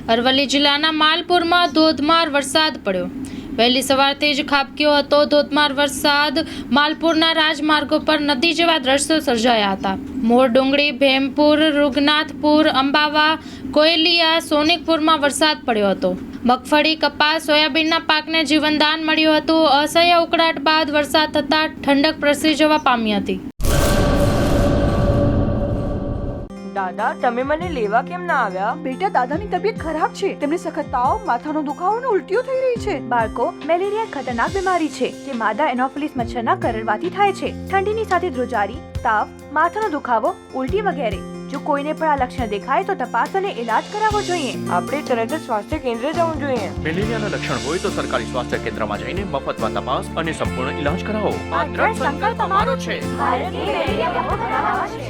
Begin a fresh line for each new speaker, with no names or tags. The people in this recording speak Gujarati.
અરવલ્લી જિલ્લાના માલપુરમાં ધોધમાર વરસાદ પડ્યો। વહેલી સવારથી જ ખાબક્યો હતો ધોધમાર વરસાદ। માલપુરના રાજમાર્ગો પર નદી જેવા દ્રશ્યો સર્જાયા હતા। મોરડુંગરી, ભેમપુર, રૂગનાથપુર, અંબાવા, કોયલિયા, સોનિકપુરમાં વરસાદ પડ્યો હતો। મગફળી, કપાસ, સોયાબીનના પાકને જીવનદાન મળ્યું હતું। અસહ્ય ઉકળાટ બાદ વરસાદ થતાં ઠંડક પ્રસરી જવા પામી હતી।
દાદા, તમે મને લેવા કેમ ના આવ્યા?
બેટા, દાદાની તબિયત ખરાબ છે। તેમને સખત તાવ, માથાનો દુખાવો અને ઉલટીઓ થઈ રહી છે।
બાળકો, મેલેરિયા એક ખતરનાક બીમારી છે જે માદા એનોફિલિસ મચ્છરના કરડવાથી થાય છે। ઠંડીની સાથે ધ્રુજારી, તાવ, માથાનો દુખાવો, ઉલટી વગેરે। જો કોઈને પણ આ લક્ષણ દેખાય તો તપાસ અને ઇલાજ કરાવવો જોઈએ।
આપણે તરત જ સ્વાસ્થ્ય કેન્દ્ર જવું જોઈએ।
મેલેરિયાના લક્ષણ હોય તો સરકારી સ્વાસ્થ્ય કેન્દ્રમાં જઈને મફતમાં તપાસ અને સંપૂર્ણ ઇલાજ કરાવો।
આ દ્રઢ સંકલ્પ અમારો છે। ભારતની મેલેરિયા મુક્ત બનાવવા છે।